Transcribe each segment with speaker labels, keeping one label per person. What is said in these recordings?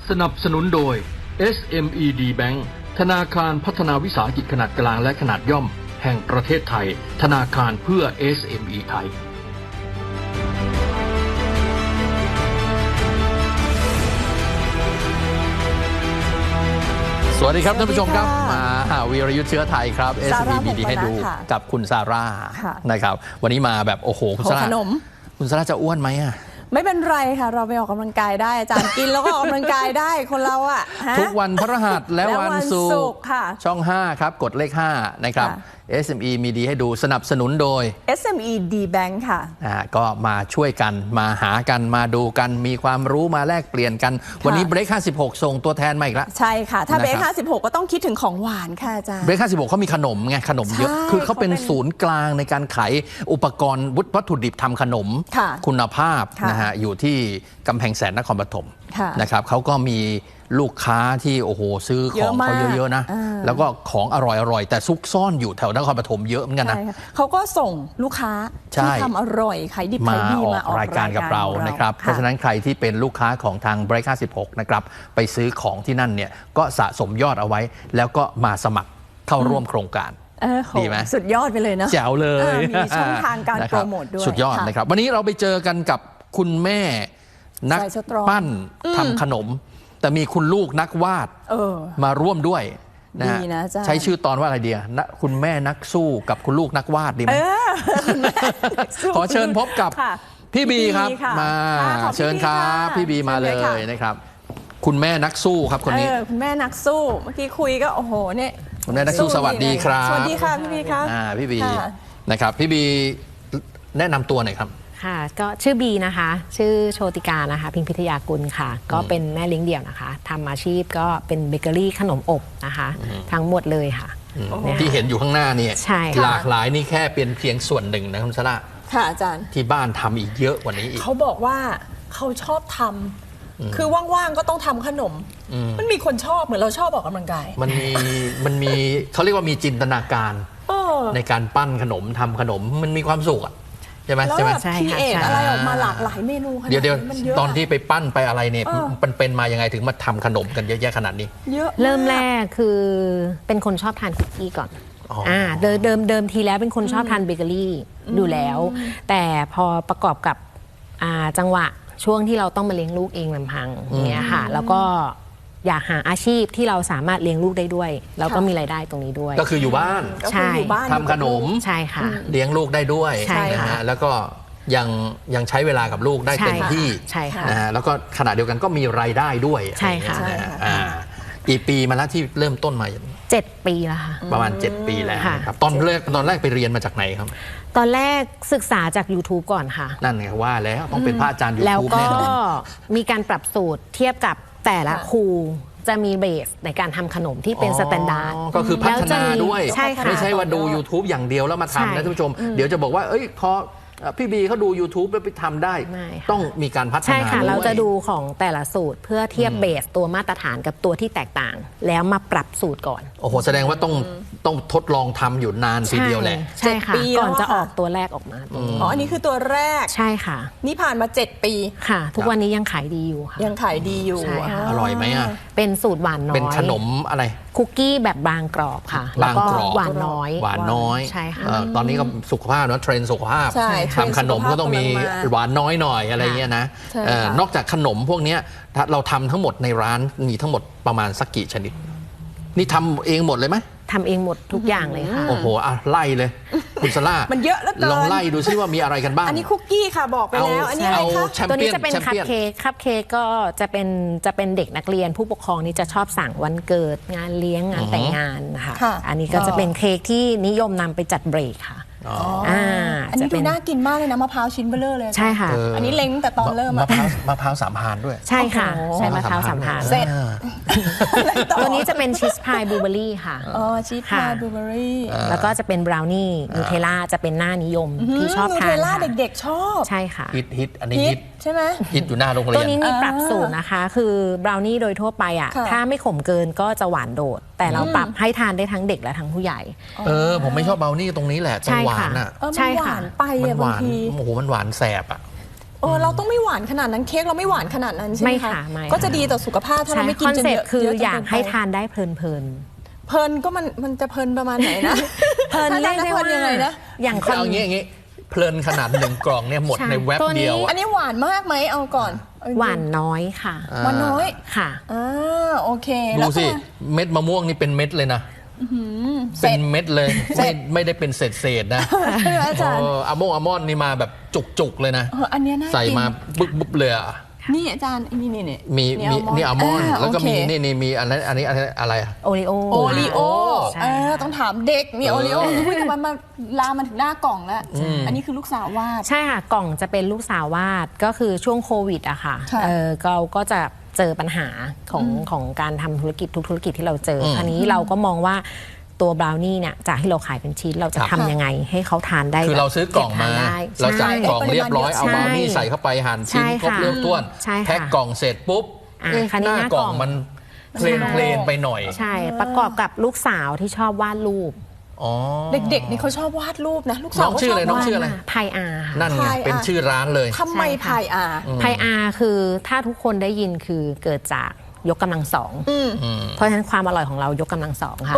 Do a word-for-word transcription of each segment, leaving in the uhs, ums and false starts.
Speaker 1: สนับสนุนโดย เอส เอ็ม อี ดี Bank ธนาคารพัฒนาวิสาหกิจขนาดกลางและขนาดย่อมแห่งประเทศไทยธนาคารเพื่อ เอส เอ็ม อี ไทย
Speaker 2: สวัสดีครับท่านผู้ชมครับมาวีรยุทธเชื้อไทยครับ เอส เอ็ม อี มีดีให้ดูกับคุณซาร่านะครับวันนี้มาแบบโอ้โหคุณซาร่าคุณซาร่าจะอ้วนไหมอ่ะ
Speaker 3: ไม่เป็นไรค่ะเราไปออกกำลังกายได้อาจารย์กินแล้วก็ออกกำลังกายได้คนเราอ่ะ
Speaker 2: ทุกวันพฤหัสและวันศุกร์
Speaker 3: ค่ะ
Speaker 2: ช่องห้าครับกดเลขห้านะครับ เอส เอ็ม อี มีดีให้ดูสนับสนุนโดย
Speaker 3: เอส เอ็ม อี ดี Bank ค่ะ
Speaker 2: อ่าก็มาช่วยกันมาหากันมาดูกันมีความรู้มาแลกเปลี่ยนกันวันนี้เบรกห้าสิบหกส่งตัวแทนมาอีกแล้ว
Speaker 3: ใช่ค่ะถ้าเบรกห้าสิบหกก็ต้องคิดถึงของหวานค่ะอาจารย์
Speaker 2: เบรกห้าสิบหกเขามีขนมไงขนมเยอะคือเขาเป็นศูนย์กลางในการขายอุปกรณ์วัตถุดิบทำขนมคุณภาพนะฮะอยู่ที่กำแพงแสนนครปฐมนะครับเขาก็มีลูกค้าที่โอ้โหซื้อของเขาเยอะๆนะแล้วก็ของอร่อยๆแต่ซุกซ่อนอยู่แถวนครปฐมเยอะเหมือนกันนะ
Speaker 3: เขาก็ส่งลูกค้าที่ทำอร่อยขายดิบขายดีมาออกรายการกับเรา
Speaker 2: นะครับเพราะฉะนั้นใครที่เป็นลูกค้าของทาง เบรก ห้าสิบหกนะครับไปซื้อของที่นั่นเนี่ยก็สะสมยอดเอาไว้แล้วก็มาสมัครเข้าร่วมโครงการดีไหม
Speaker 3: สุดยอดไปเลยนะ
Speaker 2: แจ๋วเลย
Speaker 3: มีช่องทางการโปรโมทด้วย
Speaker 2: สุดยอดนะครับวันนี้เราไปเจอกันกับคุณแม่นักปั้นทำขนมแต่มีคุณลูกนักวาดมาร่วมด้วยนะฮะใช้ชื่อตอนว่าอะไรเดียนะคุณแม่นักสู้กับคุณลูกนักวาดดีไหมขอเชิญพบกับพี่บีครับมาเชิญครับพี่บีมาเลยนะครับคุณแม่นักสู้ครับคนนี้
Speaker 3: คุณแม่นักสู้เมื่อกี้คุยก็โอ้โหเนี่ย
Speaker 2: คุณแม่นักสู้สวัสดีครับ
Speaker 3: สวัสดีค่ะพี่บีครับ
Speaker 2: พี่บีนะครับพี่บีแนะนำตัวหน่อยครับ
Speaker 4: ค่ะก็ชื่อบีนะคะชื่อโชติกานะคะพิมพิทยากุลค่ะก็เป็นแม่เลี้ยงเดี่ยวนะคะทำอาชีพก็เป็นเบเกอรี่ขนมอบนะคะทั้งหมดเลยค่ะ
Speaker 2: ที่เห็นอยู่ข้างหน้าเนี่ยหลากหลายนี่แค่เป็นเพียงส่วนหนึ่งนะคุณชละ
Speaker 3: ค่ะอาจารย์
Speaker 2: ที่บ้านทำอีกเยอะกว่านี้อีก
Speaker 3: เขาบอกว่าเขาชอบทำคือว่างๆก็ต้องทำขนมมันมีคนชอบเหมือนเราชอบออกกำลังกาย
Speaker 2: มันมีมันมีเขาเรียกว่ามีจินตนาการในการปั้นขนมทำขนมมันมีความสุขอะใช่ไหม
Speaker 3: ใช่ไหมคีเอทอะไรออกมาหลากหลายเมนูขนาดนี้
Speaker 2: เดี๋ยวตอนที่ไปปั้นไปอะไรเนี่ยมันเป็นมายังไงถึงมาทำขนมกันเยอะแยะขนาดนี้
Speaker 3: เยอะ
Speaker 4: เริ่มแรกคือเป็นคนชอบทานคุกกี้ก่อนอ่าเดิมเดิมเดิมทีแล้วเป็นคนชอบทานเบเกอรี่อยู่แล้วแต่พอประกอบกับจังหวะช่วงที่เราต้องมาเลี้ยงลูกเองลำพังเนี่ยค่ะแล้วก็อยากหาอาชีพที่เราสามารถเลี้ยงลูกได้ด้วยแล้วก็มีรายได้ตรงนี้ด้วย
Speaker 2: ก็คืออยู่บ้าน
Speaker 4: ใช่
Speaker 2: ทำขนม
Speaker 4: ใช่ค่ะ
Speaker 2: เลี้ยงลูกได้ด้วยนะฮะแล้วก็ยังยังใช้เวลากับลูกได้เต็มที่
Speaker 4: ใช่ค่ะ
Speaker 2: นะฮะแล้วก็ขณะเดียวกันก็มีรายได้ด้วย
Speaker 4: ใช่ค่ะ
Speaker 2: กี่ปีมาแล้วที่เริ่มต้นมา
Speaker 4: เจ็ดปีแล้วค่ะ
Speaker 2: ประมาณเจ็ดปีแล้วครับตอนแรกตอนแรกไปเรียนมาจากไหนครับ
Speaker 4: ตอนแรกศึกษาจาก ยูทูบ ก่อนค่ะ
Speaker 2: นั่นไงว่าแล้วต้องเป็นพระอาจารย์ ยูทูบ แน่นอน
Speaker 4: แล้วก็มีการปรับสูตรเทียบกับแต่ละครูจะมีเบสในการทำขนมที่เป็นสแตนดาร์ด
Speaker 2: ก็คือพัฒนาด้วยไม่ใช่ว่าดู ยูทูบ อย่างเดียวแล้วมาทำนะท่านผู้ชมเดี๋ยวจะบอกว่าเอ้ยพอพี่บีเขาดู ยูทูบ แล้วไปทำได้ต้องมีการพัฒนา
Speaker 4: ใช่ค่ะเราจะดูของแต่ละสูตรเพื่อเทียบเบสตัวมาตรฐานกับตัวที่แตกต่างแล้วมาปรับสูตรก่อน
Speaker 2: โอ้โหแสดงว่าต้องต้องทดลองทำอยู่นานทีเดียวแหละ
Speaker 4: ใช่ค่ะก่อนจะออกตัวแรกออกมา
Speaker 3: อ๋ออันนี้คือตัวแรก
Speaker 4: ใช่ค่ะ
Speaker 3: นี่ผ่านมาเจ็ดปี
Speaker 4: ค่ะทุกวันนี้ยังขายดีอยู่ค่ะ
Speaker 3: ยังขายดีอยู่
Speaker 2: อร่อยไหมอ่ะ
Speaker 4: เป็นสูตรหวานน้อย
Speaker 2: เป็นขนมอะไร
Speaker 4: คุกกี้แบบบางกรอบค่ะแล้วก็หวานน้อย
Speaker 2: หวานน้อย
Speaker 4: ใช่ค่ะ
Speaker 2: ตอนนี้ก็สุขภาพนะเทรนด์สุขภาพทำขนมก็ต้องมีหวานน้อยหน่อยอะไรเงี้ยนะนอกจากขนมพวกนี้เราทำทั้งหมดในร้านมีทั้งหมดประมาณสักกี่ชนิดนี่ทำเองหมดเลยไหม
Speaker 4: ทำเองหมดทุกอย่างเลยค่ะ
Speaker 2: โอ้โหอ่ะไล่เลยคุณซาร่า
Speaker 3: มันเยอะแล้ว
Speaker 2: ลองไล่ดูซิว่ามีอะไรกันบ้าง
Speaker 3: อันนี้คุกกี้ค่ะบอกไปแล้วอันนี้อะไรคะ
Speaker 4: ตัวนี้จะเป็นคัพเค้กคัพเค้กก็จะเป็นจะเป็นเด็กนักเรียนผู้ปกครองนี่จะชอบสั่งวันเกิดงานเลี้ยงงานแต่งงานนะคะอันนี้ก็จะเป็นเค้กที่นิยมนำไปจัดเบรกค่ะ
Speaker 3: อ่าอันนี้ดูน่ากินมากเลยนะมะพร้าวชิ้นเบลเลอร์เลย
Speaker 4: ใช่ค่ะ
Speaker 3: อันนี้เล้งแต่ตอนเริ่ม
Speaker 2: มะพร้าวมะพร้าวสามพานด้วย
Speaker 4: ใช่ค่ะใช่มะพร้าวสามพาน
Speaker 3: เสร็จ
Speaker 4: ตัวนี้จะเป็นชีสพายบลูเบอรี่ค่ะ
Speaker 3: อ๋อชีสพายบลูเบอรี่
Speaker 4: แล้วก็จะเป็นบราวนี่นูเทลล่าจะเป็นหน้านิยมที่ชอบทาน
Speaker 3: นูเทลล่าเด็กๆชอบ
Speaker 4: ใช่ค่ะ
Speaker 2: ฮิตฮิตอันนี้ฮิต
Speaker 3: ใช่ไหม
Speaker 2: ฮิตอยู่หน้าโรงเรียน
Speaker 4: ตัวนี้มีปรับสูตรนะคะคือบราวนี่โดยทั่วไปอ่ะถ้าไม่ขมเกินก็จะหวานโดดแต่เราปรับให้ทานได้ทั้งเด็กและทั้งผู้ใหญ่
Speaker 2: เออผมไม่ชอบบราวนี่ตรงนี้แหละตรงหวานอ่ะ
Speaker 3: ใช่ค่ะไป
Speaker 2: มันหวานโอ้โหมันหวานแสบอ่ะ
Speaker 3: เออเราต้องไม่หวานขนาดนั้นเค้กเราไม่หวานขนาดนั้นใช่ไหม
Speaker 4: ไม่
Speaker 3: คะ
Speaker 4: ค่ะไม่
Speaker 3: ก็จะดีต่อสุขภาพถ้าเราไม่กิน
Speaker 4: คอน
Speaker 3: จน
Speaker 4: เซ็ป
Speaker 3: เยอะ
Speaker 4: ต์คือ
Speaker 3: เยอะจน
Speaker 4: อยาก
Speaker 3: เกินไป
Speaker 4: ให้ทานได้เพลินเพลิน
Speaker 3: เพลินก็มันมันจะเพลินประมาณไหนนะ
Speaker 4: เพลินเรียกได้ว่า
Speaker 3: เพลินยังไงนะ
Speaker 4: อย่างคอน
Speaker 2: เอางี้อย่างงี้เพลินขนาดหนึ่งกล่องเนี่ยหมด
Speaker 4: ใช่
Speaker 2: ในแว็บ
Speaker 4: ตัวนี้
Speaker 2: เดียว
Speaker 3: อั
Speaker 2: อะ
Speaker 3: นนี้หวานมากไหมเอาก่อนเออ
Speaker 4: หวานน้อยค่ะ
Speaker 3: หวานน้อย
Speaker 4: ค่ะ
Speaker 3: อ่าโอเค
Speaker 2: ดู
Speaker 3: แล้วก็
Speaker 2: สิเม็ดมะม่วงนี่เป็นเม็ดเลยนะ
Speaker 3: เสร็
Speaker 2: เป็
Speaker 3: จ
Speaker 2: นเม็ดเลย
Speaker 3: เสร็
Speaker 2: ไม่
Speaker 3: จ
Speaker 2: ไม่ได้เป็นเศษเศษๆนะ
Speaker 3: ใช่ไหมอาจารย์
Speaker 2: เอออะโมงอะมอนนี่มาแบบจุกๆเลยนะ
Speaker 3: เอออันเนี้ยน่า
Speaker 2: ใส่
Speaker 3: กิน
Speaker 2: มาบุ๊บบุ๊บเลยอะ
Speaker 3: นี่อาจารย์นี่นี่นี่
Speaker 2: มีมีนี่อัลมอนด์แล้วก็มี
Speaker 3: โอเค
Speaker 2: นี่นี่มีอันนั้นอันนี้อันนี้อะไรอะ
Speaker 4: โอริโอ
Speaker 3: โอรีโอ
Speaker 4: ใช่
Speaker 3: เออต้องถามเด็กมี
Speaker 2: เอ
Speaker 3: โอ
Speaker 2: อ
Speaker 3: รีโออุ้ยแต่มันมาลามมันถึงหน้ากล่องแล้ว อันนี้คือลูกสาววาด
Speaker 4: ใช่ค่ะ กล่องจะเป็นลูกสาววาดก็คือช่วงโควิดอะค่ะ
Speaker 3: ค่ะ
Speaker 4: เออเราก็จะเจอปัญหาของของการทำธุรกิจทุกธุรกิจที่เราเจออ
Speaker 2: ม
Speaker 4: คราวนี้เราก็มองว่าตัวบราวนี่เนี่ยจากที่เราขายเป็นชิ้นเราจะ
Speaker 2: ครับ
Speaker 4: ทำยังไงให้เขาทานได้
Speaker 2: คือเราซื้อกล่องมา
Speaker 4: เบทนได้
Speaker 2: เราจ่าย
Speaker 4: ใช่
Speaker 2: กล่องเรียบร้อยเอา
Speaker 4: ใช่
Speaker 2: บราวนี่ใส่เข้าไปหั่นชิ้น
Speaker 4: ใช่
Speaker 2: ครบ
Speaker 4: ค่ะ
Speaker 2: เรียบถ้วน
Speaker 4: ใช่ค่ะ
Speaker 2: แพ็คกล่องเสร็จปุ๊บ
Speaker 4: อ่ะ
Speaker 2: เอ๊ะ
Speaker 4: คราวนี้
Speaker 2: หน้า
Speaker 4: หน้าก กล่
Speaker 2: ล่อ
Speaker 4: อง ง
Speaker 2: มันเพลนเพลนไปหน่อย
Speaker 4: ใช่ประกอบกับลูกสาวที่ชอบวาดรูป
Speaker 2: อ๋อ
Speaker 3: เด็กๆนี่เขาชอบวาดรูปนะ ลูกสา
Speaker 2: น้
Speaker 3: ว
Speaker 2: อง
Speaker 3: ก็
Speaker 2: ชื่อ
Speaker 3: ชอ
Speaker 2: อะไร
Speaker 3: บ
Speaker 2: น้อง
Speaker 3: วาด
Speaker 2: ชื่ออะไร
Speaker 4: ไพอาร์
Speaker 2: นั่นไง
Speaker 3: พายอะ
Speaker 2: เป็นชื่อร้านเลย
Speaker 3: ทำไมพายอา
Speaker 4: ไพอาร์คือถ้าทุกคนได้ยินคือเกิดจากยกกำลังสอง
Speaker 3: อืม
Speaker 4: เพราะฉะนั้นความอร่อยของเรายกกำลังสองค่ะ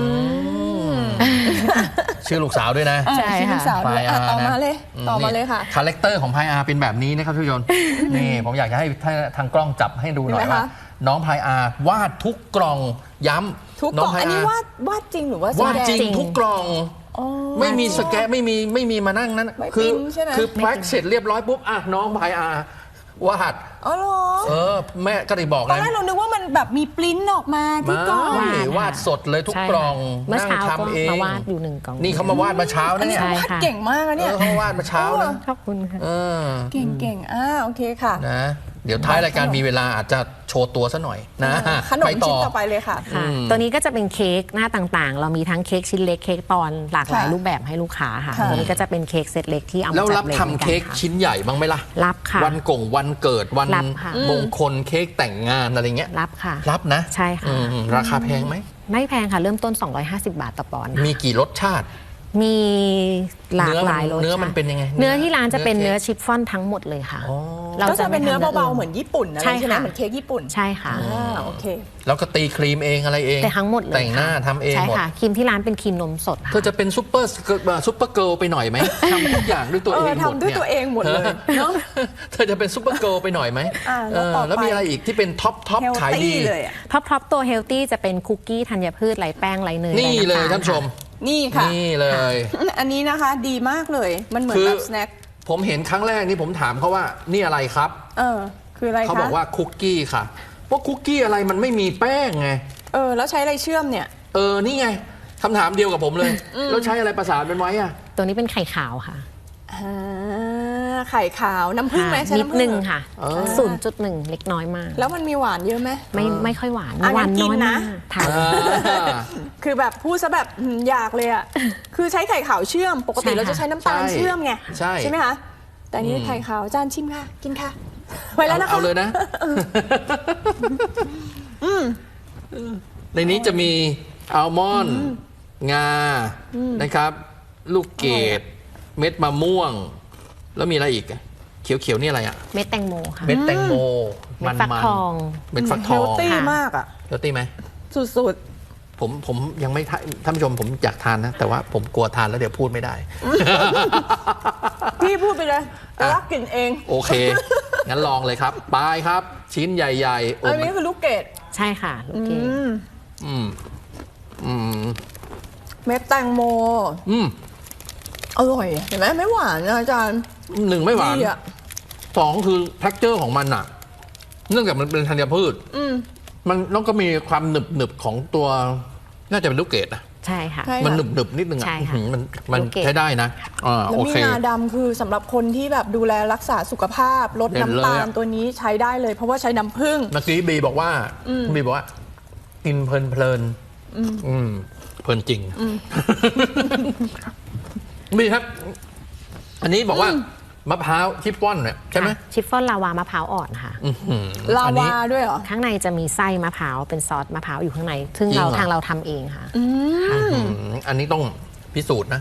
Speaker 2: ชื่อลูกสาวด้วยนะ
Speaker 3: อ่ะ
Speaker 4: ใช่
Speaker 3: ชื่อลู
Speaker 4: ค่ะ
Speaker 3: กสาวด้วยอ่ะต่อมาเลย ต่อมาเลยค่ะ
Speaker 2: คาแรคเตอร์ของพายอาเป็นแบบนี้นะครับทุกคน นี่ผมอยากจะให้ทางกล้องจับให้ดูหน่อย
Speaker 3: เห็นไหม
Speaker 2: ว่า
Speaker 3: คะ
Speaker 2: น้องพายอาวาดทุกกล่องย้ำ
Speaker 3: ทุกก
Speaker 2: น้
Speaker 3: ล่อง
Speaker 2: พาย
Speaker 3: อันนี้
Speaker 2: าว
Speaker 3: าดวาดจริงหรือว่า
Speaker 2: วาดจริง
Speaker 3: แสด
Speaker 2: ทุกกล่อง
Speaker 3: อ๋อ
Speaker 2: ไม่มีสแกะไม่มีไม่มีมานั่งนั้น
Speaker 3: ไม่
Speaker 2: คื
Speaker 3: ปิ้นใช่ไหม
Speaker 2: คือแพ็คเสร็จเรียบร้อยปุ๊บอ่ะน้องพายอาวาด
Speaker 3: อ๋อเหรอ
Speaker 2: เออแม่ก็ได้บอก
Speaker 3: ตอน
Speaker 2: นะ
Speaker 3: แรกเรานึกว่ามันแบบมีปริ้นออกมาที่กล่อง
Speaker 2: ไม่
Speaker 4: วาด
Speaker 2: วาดสดเลยทุก
Speaker 4: ใช่
Speaker 2: กล่อง
Speaker 4: เมื่อ
Speaker 2: นั่ง
Speaker 4: เช้าก็
Speaker 2: ทำเอง
Speaker 4: มาวาดอยู่หนึ่งกล่อง
Speaker 2: นี่เขามาวาดมาเช้า
Speaker 3: อัน
Speaker 2: นะ
Speaker 3: นี้
Speaker 2: เนี่ย
Speaker 4: ใช่
Speaker 3: วาด
Speaker 4: ค่ะ
Speaker 3: เก่งมากอะ
Speaker 2: เอ
Speaker 3: เนี่ย
Speaker 2: อเขาวาดมาเช้านะ
Speaker 4: ขอบคุณค่ะ
Speaker 2: เออ
Speaker 3: เก่งเก่งอ่าโอเคค่ะ
Speaker 2: นะเดี๋ยวท้ายรายการมีเวลาอาจจะโชว์ตัวซะหน่อยนะ
Speaker 3: ขนม
Speaker 2: ไปต่
Speaker 3: ชิ้น
Speaker 2: อ
Speaker 3: ต่อไปเลยค่ะ
Speaker 4: ค่ะ
Speaker 2: อืม
Speaker 4: ตัวนี้ก็จะเป็นเค้กหน้าต่างๆ เรามีทั้งเค้กชิ้นเล็กเค้กปอนด์หลากหลาย
Speaker 3: ค่ะ
Speaker 4: รูปแบบให้ลูกค้าค่ะ
Speaker 3: ค่ะ
Speaker 4: ตัวนี้ก็จะเป็นเค้กเซตเล็กที่เอามา
Speaker 2: แล้ว
Speaker 4: จั
Speaker 2: รั
Speaker 4: ด
Speaker 2: บ
Speaker 4: เลย
Speaker 2: ทำ
Speaker 4: หมือนกัน
Speaker 2: เค้ก
Speaker 4: ค่ะ
Speaker 2: ชิ้นใหญ่บ้างไหมล่ะ
Speaker 4: รับค่ะ
Speaker 2: วันกงวันเกิดวัน
Speaker 4: รับค่ะ
Speaker 2: มงคลเค้กแต่งงานอะไรเงี้ย
Speaker 4: รับค่ะ
Speaker 2: รับนะ
Speaker 4: ใช่ค่ะ
Speaker 2: อืมราคาแพงไหม
Speaker 4: ไม่แพงค่ะ เริ่มต้น สองร้อยห้าสิบบาทต่อปอนด์
Speaker 2: มีกี่รสชาติ
Speaker 4: มีหลากหลายรส
Speaker 2: เนื้อมัน
Speaker 4: ชาติ
Speaker 2: เป็นยังไง
Speaker 4: เนื้อที่ร้านจะเป็น
Speaker 2: เนื้
Speaker 4: เนื้
Speaker 2: อ
Speaker 4: อชิฟฟ่อนทั้งหมดเลยค่ะ
Speaker 2: อ๋อ
Speaker 3: ก็จะเป็นเนื้อ
Speaker 4: ไม่ทำ
Speaker 3: เบาๆเหมือนญี่ปุ่นอะไร
Speaker 4: ใช่
Speaker 3: ใช่ไหม
Speaker 4: ค่ะ
Speaker 3: เหมือนเค้กญี่ปุ่น
Speaker 4: ใช่ค่ะ
Speaker 3: อ่าโอเค
Speaker 2: แล้วก็ตีครีมเองอะไรเอง
Speaker 4: แต่ทั้งหมดเลย
Speaker 2: แต่งหน้า
Speaker 4: ค่ะ
Speaker 2: ทำเอง
Speaker 4: ใช่
Speaker 2: หมด
Speaker 4: ค่ะครีมที่ร้านเป็นครีมนมสดค่ะ
Speaker 2: เธอจะเป็นซุปเปอร์ซุปเปอร์เกิร์ลไปหน่อยไหม ทำทุกอย่างด้วยตัวเองหมด
Speaker 3: เออทำด้วย
Speaker 2: นี่
Speaker 3: ตัวเองหมดเลยเนอะ
Speaker 2: เธอจะเป็นซุปเปอร์เกิร์ลไปหน่อยไหม
Speaker 3: อ่า
Speaker 2: เอ
Speaker 3: แล้ว
Speaker 2: อ
Speaker 3: ต่อไป
Speaker 2: แล้วมีอะไรอีกที่เป็นท็อปท็อป
Speaker 3: เฮล
Speaker 2: ขายดี
Speaker 3: ตี้เลยอะ
Speaker 4: ท็อปท็อปตัวเฮลตี้จะเป็นคุกกี้ธัญพืชไร้แป้งไร้เนย
Speaker 2: นี่
Speaker 4: ไร้
Speaker 2: เลย
Speaker 4: ำต
Speaker 2: ท่านผู้ชม
Speaker 3: นี่ค่ะ
Speaker 2: นี่เลย
Speaker 3: อันนี้นะคะดีมากเลย มันเหมือน
Speaker 2: คือ
Speaker 3: แบบสแน็ค
Speaker 2: ผมเห็นครั้งแรกนี่ผมถามเขาว่านี่อะไรครับ
Speaker 3: เออ คืออะไรคะ
Speaker 2: เขาบอกว่าคุกกี้ค่ะว่าคุกกี้อะไรมันไม่มีแป้งไง
Speaker 3: เออ แล้วใช้อะไรเชื่อมเนี่ย
Speaker 2: เออ นี่ไงคำถามเดียวกับผมเลย แล้วใช้อะไรประสานเป็นไว้อะ
Speaker 4: ตัวนี้เป็นไข่ขาวค่ะ
Speaker 3: อ่า ไข่ขาวน้ำผึ้งไหมใช้
Speaker 4: นิด
Speaker 3: น้ำผึ้ง
Speaker 4: นึง
Speaker 3: เหรอ
Speaker 4: ค่ะ
Speaker 2: อ๋อ
Speaker 4: ศูนย์จุดหนึ่งเล็กน้อยมาก
Speaker 3: แล้วมันมีหวานเยอะไหม
Speaker 4: ไม่ไม่ค่อยหวาน
Speaker 3: อ่ะ
Speaker 4: หวาน
Speaker 3: งั้นกิน
Speaker 4: น้อย
Speaker 3: นะ
Speaker 4: มากทาน
Speaker 2: อ่า
Speaker 3: คือแบบพูดซะแบบอืมอยากเลยอ่ะ คือใช้ไข่ขาวเชื่อม ปกติ
Speaker 4: ใช่ค่ะ
Speaker 3: เราจะใช้น้ำตาล
Speaker 2: ใช่
Speaker 3: เชื่อมไง
Speaker 2: ใช่
Speaker 3: ไหมคะ แต่อันนี้
Speaker 2: อืม
Speaker 3: ไข่ขาวจานชิมค่ะ กินค่ะ ไปแล้วนะคะ
Speaker 2: เอาเลยนะ ในนี้จะมีอัลมอนด์งานะครับ ลูกเกดเม็ดมะม่วง แล้วมีอะไรอีกอะเขียวๆนี่อะไรอ่ะ
Speaker 4: เม็ดแตงโมค่ะ
Speaker 2: เม็ดแตงโม
Speaker 4: เม็
Speaker 2: มั
Speaker 4: ด
Speaker 2: น
Speaker 4: ฟัก
Speaker 2: มัน
Speaker 4: ทอง
Speaker 2: เม็ดฟักท
Speaker 3: เฮ
Speaker 2: อ
Speaker 3: ล
Speaker 2: ง
Speaker 3: ตี้
Speaker 4: ค่ะ
Speaker 3: มากอ่ะ
Speaker 2: เฮลตี้ไหม
Speaker 3: สุด
Speaker 2: ผมผมยังไม่ทานท่านผู้ชมผมอยากทานนะ แต่ว่าผมกลัวทานแล้วเดี๋ยวพูดไม่ได้
Speaker 3: ๆ พี่พูดไปเลย
Speaker 2: อ่ะ
Speaker 3: รักกินเอง
Speaker 2: โอเค งั้นลองเลยครับปลายครับ ชิ้นใหญ่ๆโอ้
Speaker 3: อัน
Speaker 2: มั
Speaker 3: นี้
Speaker 2: น
Speaker 3: คือลูกเกด
Speaker 4: ใช่ค่ะลูกเกด
Speaker 3: อืม
Speaker 2: อืมอืม
Speaker 3: เม็ดแตงโม
Speaker 2: อืม
Speaker 3: อร่อย เห็นไหมไม่หวานนะอาจารย์
Speaker 2: หนึ่งไม่หวาน
Speaker 3: ดีอ่ะ
Speaker 2: สองคือ t e x t u r e ของมันอะเนื่องจากมันเป็นธัญพืช
Speaker 3: อืม
Speaker 2: มันแล้วก็มีความหนึบหนึบๆของตัว น่าจะเป็นลูกเกดนะ
Speaker 4: ใช่ค่ะ
Speaker 3: ใช่
Speaker 2: มันหนึบหนึบๆนิดนึงอะ
Speaker 4: ใช่ค่ะ
Speaker 2: อื้อหือมันมัน
Speaker 4: ลูกเกด
Speaker 2: ใช้ได้นะอ่า
Speaker 3: แล้ว
Speaker 2: โอ
Speaker 3: มี
Speaker 2: เค
Speaker 3: งาดำคือสำหรับคนที่แบบดูแลรักษาสุขภาพลด
Speaker 2: เด่น
Speaker 3: น้ำ
Speaker 2: เลย
Speaker 3: ตาล
Speaker 2: อะ
Speaker 3: ตัวนี้ใช้ได้เลย เพราะว่าใช้น้ำผึ้ง
Speaker 2: เมื่อกี้บีบอกว่าบีบอกว่า กินเพลินเพลินอืมเพลินจริงบีครับ อันนี้บอกว่ามะพร้าวชิฟฟ่อนเนี่ยใช่ไหม
Speaker 4: ค่ะชิฟฟ่อนลาวามะพร้าวอ่อนค่ะ
Speaker 2: อื้อหือ
Speaker 3: ลา
Speaker 2: อันนี้
Speaker 3: วาด้วยเหรอ
Speaker 4: ข้างในจะมีไส้มะพร้าวเป็นซอสมะพร้าวอยู่ข้างใน ซึ่ง
Speaker 2: จริง
Speaker 4: เรา
Speaker 2: เหรอ
Speaker 4: ทางเราทำเองค่ะ
Speaker 2: อื้อหืออันนี้ต้องพิสูจน์นะ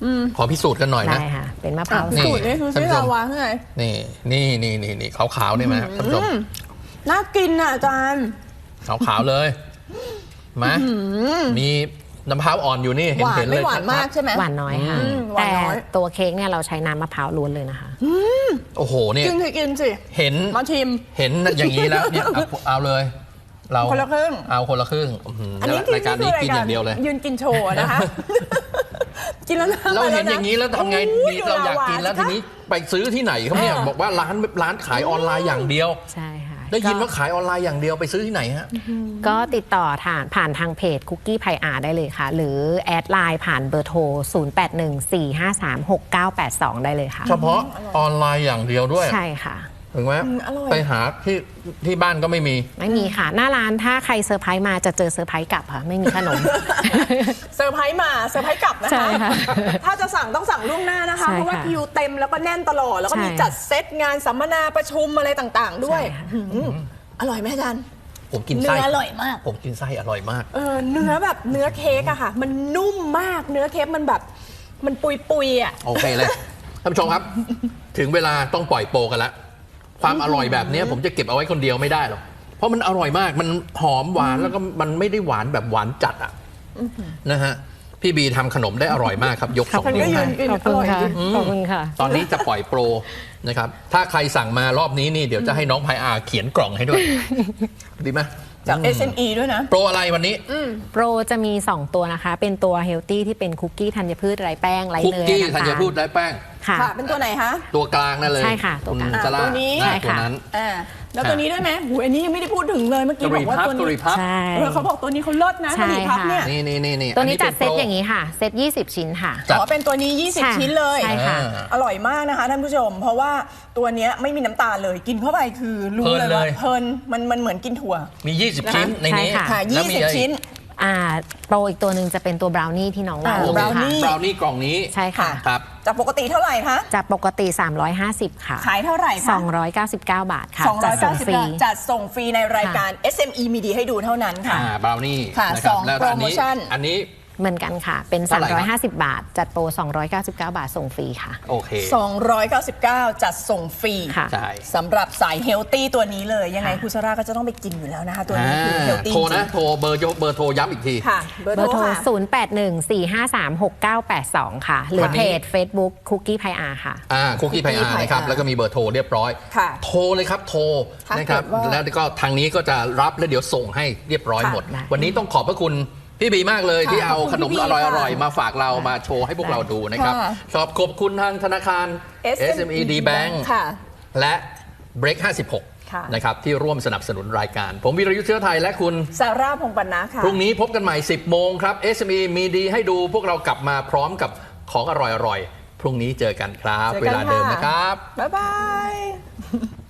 Speaker 2: ขอพิสูจน์กันหน่อยนะ
Speaker 4: ได้ค่ะเป็นมะพร้าว
Speaker 2: นี่
Speaker 3: สูตรนี่คือที่ลาวาข้างใน
Speaker 2: นี่นี่นี่นี่นี่ขาวๆนี่ไหมท่านผู้ชม
Speaker 3: น่ากินอ่ะอาจารย์
Speaker 2: ขาวๆเลยมามีน้ำมะพร้าวอ่อนอยู่นี่เห็
Speaker 3: ห
Speaker 2: น
Speaker 3: วาน
Speaker 2: เห็นเล
Speaker 3: ไม่
Speaker 2: ย
Speaker 3: หวานมาก
Speaker 2: ชัด
Speaker 3: ใช่ไหม
Speaker 4: หวานน้อยค่ะ
Speaker 3: อืมหวาน
Speaker 4: แต่
Speaker 3: น้อย
Speaker 4: ตัวเค้กเนี่ยเราใช้น้ำมะพร้าวล้วนเลยนะคะ
Speaker 2: ๆโอ้โหเนี่ย
Speaker 3: กินสิกินสิ
Speaker 2: เห็น
Speaker 3: มาชิม
Speaker 2: เห็นอย่างนี้แล้วเนี่ยเอาเอาเลย เรา
Speaker 3: คนละครึ่ง
Speaker 2: เอาคนละครึ่งอื้อหือ
Speaker 3: อันนี้
Speaker 2: รายการนี้กินอย่างเดียวเลย
Speaker 3: ยืนกินโชว์นะคะ กินแล้วนะ
Speaker 2: เราเห็นอย่างนี้แล้วทำไง
Speaker 3: โอ้
Speaker 2: ดีเราอยากกินแล้วทีนี้ไปซื้อที่ไหนเขาเนี่ย
Speaker 3: เออ
Speaker 2: บอกว่าร้านร้านขายออนไลน์อย่างเดียว
Speaker 4: ใช่ค่ะ
Speaker 2: ได้ยินว่าขายออนไลน์อย่างเดียวไปซื้อที่ไหนฮะ
Speaker 4: ก็ติดต่อผ่านผ่านทางเพจคุกกี้ไพอาได้เลยค่ะ หรือแอดไลน์ผ่านเบอร์โทร ศูนย์ แปด หนึ่ง สี่ ห้า สาม หก เก้า แปด สอง ได้เลยค่ะ
Speaker 2: เฉพาะออนไลน์อย่างเดียวด้วย
Speaker 4: ใช่ค่ะ
Speaker 2: ถึงไหม
Speaker 3: อืมอร่อย
Speaker 2: ไปหาที่ที่บ้านก็ไม่มี
Speaker 4: ไม่มีค่ะ หน้าร้านถ้าใครเซอร์ไพรส์มาจะเจอเซอร์ไพรส์กลับค่ะ ไม่มีขนม
Speaker 3: เซอร์ไพรส์มาเซอร์ไพรส์กลับนะ
Speaker 4: ใช่
Speaker 3: คะ
Speaker 4: ค่ะ
Speaker 3: ถ้าจะสั่งต้องสั่งล่วงหน้านะคะ
Speaker 4: ใช่ค่ะ
Speaker 3: เพราะว่าคิวเต็มแล้วก็แน่นตลอด แล้วก็มี
Speaker 4: ใช่
Speaker 3: จัดเซตงานสัมมนาประชุมอะไรต่างๆ ด้วย
Speaker 4: ใช่ค่ะ
Speaker 3: อืมอร่อยไหมอาจารย์
Speaker 2: ผมกิน
Speaker 3: เนื้
Speaker 2: ไส้
Speaker 3: ออร่อยมาก
Speaker 2: ผมกินไส้อร่อยมาก
Speaker 3: เออเนื้อแบบเนื้อเค้กอะค่ะ มันนุ่มมากเนื้อเค้กมันแบบมันปุยปุยๆอะ
Speaker 2: โอเคเลยท่านผู้ชมครับ ถึงเวลาต้องปล่อยโปรกันแล้วความอร่อยแบบนี้ผมจะเก็บเอาไว้คนเดียวไม่ได้หรอกเพราะมันอร่อยมากมันหอมหวานแล้วก็มันไม่ได้หวานแบบหวานจัดอ่ะนะฮะพี่บีทำขนมได้อร่อยมากครับ ยกสอง
Speaker 3: ฉัน
Speaker 2: นิ้
Speaker 3: ก็
Speaker 2: ว
Speaker 3: ยื
Speaker 2: ให้
Speaker 3: นกิน
Speaker 4: ขอบคุณค่ะ
Speaker 3: อร่อยจริง
Speaker 4: ขอบคุณค่ะ
Speaker 2: ตอนนี้จะปล่อยโปรนะครับถ้าใครสั่งมารอบนี้นี่เดี๋ยวจะให้น้องพายอาเขียนกล่องให้ด้วย ดีไหม
Speaker 3: จาก เอส เอ็ม อี ด้วยนะ
Speaker 2: โปรอะไรวันนี้
Speaker 4: โปรจะมี สอง ตัวนะคะ เป็นตัวเฮลตี้ที่เป็นคุกกี้ธัญพืชไร้แป้งไร้
Speaker 2: คุก
Speaker 4: เนย
Speaker 2: กี้
Speaker 4: น้ำ
Speaker 2: ธั
Speaker 4: ตา
Speaker 2: ญ
Speaker 4: ล
Speaker 2: พืชไร้แป้ง
Speaker 4: ค่ะ
Speaker 3: ค่ะ เป็นตัวไหนคะ
Speaker 2: ตัวกลางนั่นเลย
Speaker 4: ใช่ค่ะตัวกลาง
Speaker 2: ณซาร่า
Speaker 3: ตัวนี้
Speaker 2: อ่า
Speaker 4: ใช่ค่ะ
Speaker 2: ตัวนั้น
Speaker 3: อ่าแล้วตัวนี้ด้วยไหมหูอันนี้ยังไม่ได้พูดถึงเลยเมื่อกี้บอกว่าตัว
Speaker 2: กรี
Speaker 3: นี้
Speaker 2: พับ
Speaker 4: ใช่
Speaker 3: เออเขาบอกตัวนี้เขาเลิศนะ
Speaker 4: ใช่
Speaker 3: กะหรี่พับเนี่ย
Speaker 2: นี่นี่นี่นี่
Speaker 4: ตัวนี้จัดเซต
Speaker 2: ป็โปร
Speaker 4: อย่างนี้ค่ะ เซตยี่สิบ ชิ้นค่ะ
Speaker 2: จัด
Speaker 3: อ๋อเป็นตัวนี้ ยี่สิบ
Speaker 4: ใช่
Speaker 3: ชิ้นเลย
Speaker 4: ใช่ค่ะ
Speaker 2: อ่า
Speaker 3: อร่อยมากนะคะท่านผู้ชม เพราะว่าตัวเนี้ยไม่มีน้ำตาลเลยกินเข้าไปคือรู้
Speaker 2: เพลิน
Speaker 3: เลยว่า
Speaker 2: เลย
Speaker 3: เพลินมันมันเหมือนกินถั่ว
Speaker 2: มี ยี่สิบ
Speaker 3: นะคะ
Speaker 2: ชิ้นในนี้
Speaker 4: ใช่ค่ะ
Speaker 3: ค่ะ
Speaker 2: แล้วมี
Speaker 3: ยี่สิบ
Speaker 2: อะไร
Speaker 3: ชิ้น
Speaker 4: อ่าโปรอีกตัวหนึ่งจะเป็นตัวบราวนี่ที่น้องว่า
Speaker 3: อ่า
Speaker 2: โอเค
Speaker 3: บราวนี่
Speaker 2: บราวนี่กล่องนี้
Speaker 4: ใช่ค่ะ
Speaker 2: ครับ
Speaker 3: จากปกติเท่าไหร่คะ
Speaker 4: จากปกติ สามร้อยห้าสิบ ค่ะ
Speaker 3: ขายเท่าไหร่คะ
Speaker 4: สองร้อยเก้าสิบเก้า บาทค่ะ
Speaker 3: สองร้อย
Speaker 4: จั
Speaker 3: เก้า
Speaker 4: ด
Speaker 3: สิบ
Speaker 4: ส่งฟรี
Speaker 3: จัดส่งฟรีในรายการ เอส เอ็ม อี มีดีให้ดูเท่านั้นค่ะ
Speaker 2: อ่าบราวนี่
Speaker 3: ค่ะ
Speaker 2: นะครับ
Speaker 3: สอง
Speaker 2: แล้วอันนี้
Speaker 3: โปรโมชั่น
Speaker 2: อันนี้
Speaker 4: เหมือนกันค่ะ เป็น
Speaker 2: เท่าไหร่ครับ
Speaker 4: สามร้อยห้าสิบ บาท จัดโปร สองร้อยเก้าสิบเก้า บาทส่งฟรีค่ะ
Speaker 2: โอเค
Speaker 3: สองร้อยเก้าสิบเก้า จัดส่งฟรี
Speaker 4: ค่ะ
Speaker 2: ใช่
Speaker 3: สำหรับสายเฮลตี้ตัวนี้เลย ยังไงคุณซาร่าก็จะต้องไปกินอยู่แล้วนะคะ ตัวนี้คือเฮลตี้
Speaker 2: โทร
Speaker 3: จริ
Speaker 2: นะ
Speaker 3: ง
Speaker 2: โทรเบอร์โยเบอร์โทรย้ำอีกที
Speaker 3: ค่ะ เบอร์
Speaker 4: เบอร์
Speaker 3: โท
Speaker 4: โท
Speaker 3: ร
Speaker 4: ร
Speaker 3: ค่ะ
Speaker 4: ศูนย์ แปด หนึ่ง สี่ ห้า สาม หก เก้า แปด สอง ค่ะ หรือ
Speaker 2: วันนี้
Speaker 4: เพจ Facebook คุกกี้ไพอาค่ะ
Speaker 2: อ่าคุกกี้ไพอา
Speaker 3: Cookie
Speaker 2: นะครับ
Speaker 3: Pie
Speaker 2: แล้วก็มีเบอร์โทรเรียบร้อย
Speaker 3: ค่ะ
Speaker 2: โทรเลยครับ โทร
Speaker 3: ถ้า
Speaker 2: นะครับ
Speaker 3: เกิดว่า
Speaker 2: แล้วก็ทางนี้ก็จะรับแล้วเดี๋ยวส่งให้เรียบร้อย
Speaker 3: ค่ะ
Speaker 2: หมด
Speaker 4: ได้
Speaker 2: วันนี้ต้องขอบพระคุณพี่บีมากเลย
Speaker 3: ค่ะ
Speaker 2: ที่เอา
Speaker 3: ขอบคุณ
Speaker 2: ขนม
Speaker 3: พี่บี
Speaker 2: อร่อยอ
Speaker 3: ค่ะ
Speaker 2: ร่อยมาฝากเรามาโชว์ให้พวกเราดูนะครับ
Speaker 3: ค่ะ
Speaker 2: ขอบขอบคุณทางธนาคาร
Speaker 3: เอส
Speaker 2: เอส เอ็ม อี ดี Bank
Speaker 3: ค่ะ
Speaker 2: และ Break ห้าสิบหก
Speaker 3: ค่ะ
Speaker 2: นะครับที่ร่วมสนับสนุนรายการ ผมวีรยุทธ์เชื้อไทยและคุณ
Speaker 3: ซาร่าพงษ์ปันนะค่ะ
Speaker 2: พรุ่งนี้พบกันใหม่ สิบโมงครับ เอส เอ็ม อี มีดีให้ดูพวกเรากลับมาพร้อมกับของอร่อยๆ พรุ่งนี้เจอกันครับ
Speaker 3: เจอ
Speaker 2: เว
Speaker 3: กัน
Speaker 2: ลาเดิม
Speaker 3: ค่ะ
Speaker 2: นะครับ
Speaker 3: บ๊ายบาย